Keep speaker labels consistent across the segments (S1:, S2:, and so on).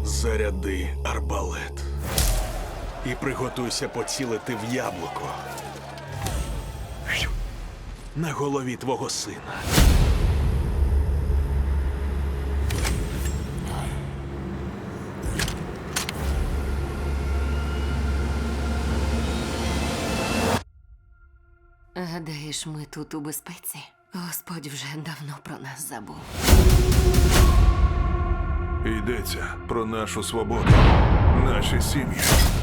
S1: Заряди арбалет. І приготуйся поцілити в яблуко. На голові твого сина.
S2: Гадаєш, ми тут у безпеці? Господь вже давно про нас забув.
S3: Йдеться про нашу свободу, наші сім'ї.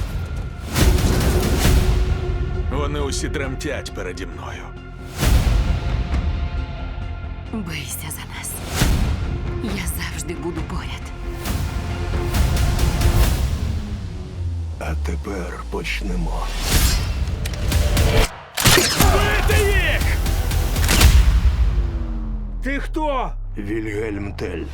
S1: Вони усі тремтять переді мною.
S2: Бийся за нас. Я завжди буду поряд.
S4: А тепер почнемо.
S1: Бити їх!
S5: Ти хто?
S4: Вільгельм Тель.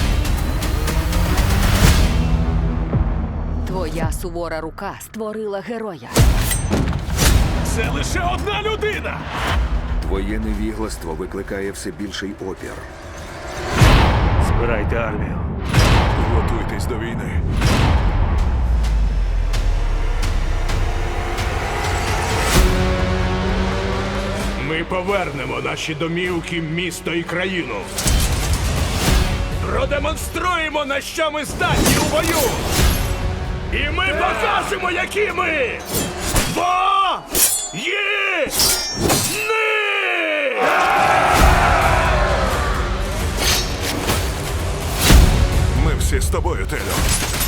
S2: Твоя сувора рука створила героя.
S1: Це лише одна людина!
S6: Твоє невігластво викликає все більший опір.
S5: Збирайте армію.
S3: Готуйтесь до війни.
S5: Ми повернемо наші домівки, місто і країну. Продемонструємо, на що ми здатні у бою. І ми покажемо, які ми. Воїни!
S3: Ми всі з тобою, Телю.